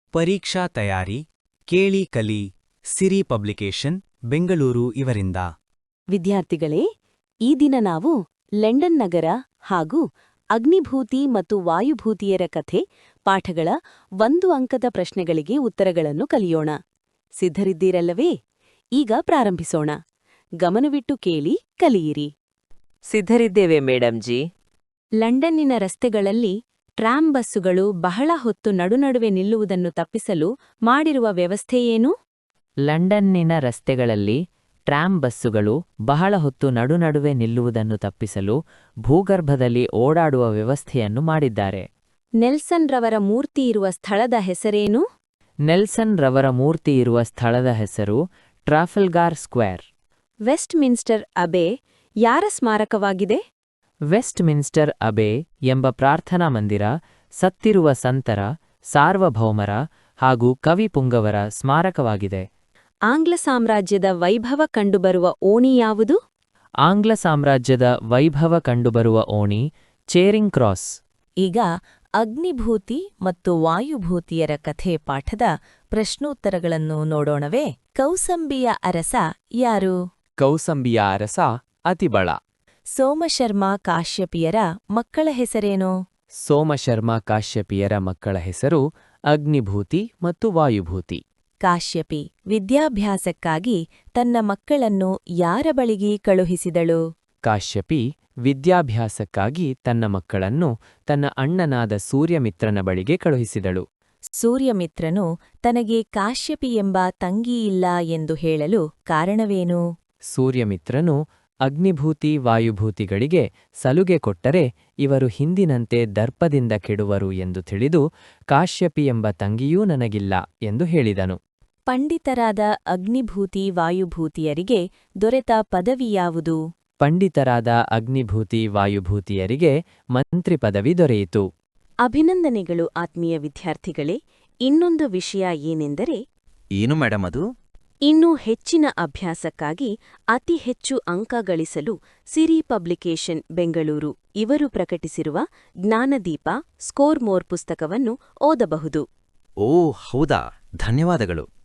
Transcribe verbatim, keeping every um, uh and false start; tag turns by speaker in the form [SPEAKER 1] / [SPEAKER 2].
[SPEAKER 1] ಪರೀಕ್ಷಾ ತಯಾರಿ ಕೇಳಿ ಕಲಿ ಸಿರಿ ಪಬ್ಲಿಕೇಶನ್ ಬೆಂಗಳೂರು ಇವರಿಂದ.
[SPEAKER 2] ವಿದ್ಯಾರ್ಥಿಗಳೇ, ಈ ದಿನ ನಾವು ಲಂಡನ್ ನಗರ ಹಾಗೂ ಅಗ್ನಿಭೂತಿ ಮತ್ತು ವಾಯುಭೂತಿಯರ ಕಥೆ ಪಾಠಗಳ ಒಂದು ಅಂಕದ ಪ್ರಶ್ನೆಗಳಿಗೆ ಉತ್ತರಗಳನ್ನು ಕಲಿಯೋಣ. ಸಿದ್ಧರಿದ್ದೀರಲ್ಲವೇ? ಈಗ ಪ್ರಾರಂಭಿಸೋಣ. ಗಮನವಿಟ್ಟು ಕೇಳಿ, ಕಲಿಯಿರಿ.
[SPEAKER 3] ಸಿದ್ಧರಿದ್ದೇವೆ ಮೇಡಮ್ ಜಿ.
[SPEAKER 2] ಲಂಡನ್ನಿನ ರಸ್ತೆಗಳಲ್ಲಿ ಟ್ರಾಮ್ ಬಸ್ಸುಗಳು ಬಹಳ ಹೊತ್ತು ನಡುನಡುವೆ ನಿಲ್ಲುವುದನ್ನು ತಪ್ಪಿಸಲು ಮಾಡಿರುವ ವ್ಯವಸ್ಥೆಯೇನು?
[SPEAKER 3] ಲಂಡನ್ನಿನ ರಸ್ತೆಗಳಲ್ಲಿ ಟ್ರಾಮ್ ಬಸ್ಸುಗಳು ಬಹಳ ಹೊತ್ತು ನಡುನಡುವೆ ನಿಲ್ಲುವುದನ್ನು ತಪ್ಪಿಸಲು ಭೂಗರ್ಭದಲ್ಲಿ ಓಡಾಡುವ ವ್ಯವಸ್ಥೆಯನ್ನು ಮಾಡಿದ್ದಾರೆ.
[SPEAKER 2] ನೆಲ್ಸನ್ ರವರ ಮೂರ್ತಿ ಇರುವ ಸ್ಥಳದ ಹೆಸರೇನು?
[SPEAKER 3] ನೆಲ್ಸನ್ ರವರ ಮೂರ್ತಿ ಇರುವ ಸ್ಥಳದ ಹೆಸರು Trafalgar Square.
[SPEAKER 2] Westminster Abbey ಯಾರ ಸ್ಮಾರಕವಾಗಿದೆ?
[SPEAKER 3] ವೆಸ್ಟ್ ಮಿನ್ಸ್ಟರ್ ಅಬೆ ಎಂಬ ಪ್ರಾರ್ಥನಾ ಮಂದಿರ ಸತ್ತಿರುವ ಸಂತರ, ಸಾರ್ವಭೌಮರ ಹಾಗೂ ಕವಿ ಪುಂಗವರ ಸ್ಮಾರಕವಾಗಿದೆ.
[SPEAKER 2] ಆಂಗ್ಲ ಸಾಮ್ರಾಜ್ಯದ ವೈಭವ ಕಂಡುಬರುವ ಓಣಿ ಯಾವುದು?
[SPEAKER 3] ಆಂಗ್ಲ ಸಾಮ್ರಾಜ್ಯದ ವೈಭವ ಕಂಡುಬರುವ ಓಣಿ ಚೇರಿಂಗ್ ಕ್ರಾಸ್.
[SPEAKER 2] ಈಗ ಅಗ್ನಿಭೂತಿ ಮತ್ತು ವಾಯುಭೂತಿಯರ ಕಥೆ ಪಾಠದ ಪ್ರಶ್ನೋತ್ತರಗಳನ್ನು ನೋಡೋಣವೇ? ಕೌಸಂಬಿಯ ಅರಸ ಯಾರು?
[SPEAKER 3] ಕೌಸಂಬಿಯ ಅರಸ ಅತಿಬಳ.
[SPEAKER 2] ಸೋಮಶರ್ಮ ಕಾಶ್ಯಪಿಯರ ಮಕ್ಕಳ ಹೆಸರೇನು?
[SPEAKER 3] ಸೋಮಶರ್ಮ ಕಾಶ್ಯಪಿಯರ ಮಕ್ಕಳ ಹೆಸರು ಅಗ್ನಿಭೂತಿ ಮತ್ತು ವಾಯುಭೂತಿ.
[SPEAKER 2] ಕಾಶ್ಯಪಿ ವಿದ್ಯಾಭ್ಯಾಸಕ್ಕಾಗಿ ತನ್ನ ಮಕ್ಕಳನ್ನು ಯಾರ ಬಳಿಗೆ ಕಳುಹಿಸಿದಳು?
[SPEAKER 3] ಕಾಶ್ಯಪಿ ವಿದ್ಯಾಭ್ಯಾಸಕ್ಕಾಗಿ ತನ್ನ ಮಕ್ಕಳನ್ನು ತನ್ನ ಅಣ್ಣನಾದ ಸೂರ್ಯಮಿತ್ರನ ಬಳಿಗೆ ಕಳುಹಿಸಿದಳು.
[SPEAKER 2] ಸೂರ್ಯಮಿತ್ರನು ತನಗೆ ಕಾಶ್ಯಪಿ ಎಂಬ ತಂಗಿಯಿಲ್ಲ ಎಂದು ಹೇಳಲು ಕಾರಣವೇನು?
[SPEAKER 3] ಸೂರ್ಯಮಿತ್ರನು ಅಗ್ನಿಭೂತಿ ವಾಯುಭೂತಿಗಳಿಗೆ ಸಲುಗೆ ಕೊಟ್ಟರೆ ಇವರು ಹಿಂದಿನಂತೆ ದರ್ಪದಿಂದ ಕೆಡುವರು ಎಂದು ತಿಳಿದು ಕಾಶ್ಯಪಿ ಎಂಬ ತಂಗಿಯೂ ನನಗಿಲ್ಲ ಎಂದು ಹೇಳಿದನು.
[SPEAKER 2] ಪಂಡಿತರಾದ ಅಗ್ನಿಭೂತಿ ವಾಯುಭೂತಿಯರಿಗೆ ದೊರೆತ ಪದವಿ ಯಾವುದು?
[SPEAKER 3] ಪಂಡಿತರಾದ ಅಗ್ನಿಭೂತಿ ವಾಯುಭೂತಿಯರಿಗೆ ಮಂತ್ರಿ ಪದವಿ ದೊರೆಯಿತು.
[SPEAKER 2] ಅಭಿನಂದನೆಗಳು ಆತ್ಮೀಯ ವಿದ್ಯಾರ್ಥಿಗಳೇ. ಇನ್ನೊಂದು ವಿಷಯ ಏನೆಂದರೆ,
[SPEAKER 1] ಏನು ಮೇಡಮ್ ಅದು?
[SPEAKER 2] ಇನ್ನೂ ಹೆಚ್ಚಿನ ಅಭ್ಯಾಸಕ್ಕಾಗಿ ಅತಿ ಹೆಚ್ಚು ಅಂಕ ಗಳಿಸಲು ಸಿರಿ ಪಬ್ಲಿಕೇಶನ್ ಬೆಂಗಳೂರು ಇವರು ಪ್ರಕಟಿಸಿರುವ ಜ್ಞಾನದೀಪ ಸ್ಕೋರ್ ಮೋರ್ ಪುಸ್ತಕವನ್ನು ಓದಬಹುದು.
[SPEAKER 1] ಓ ಹೌದಾ, ಧನ್ಯವಾದಗಳು.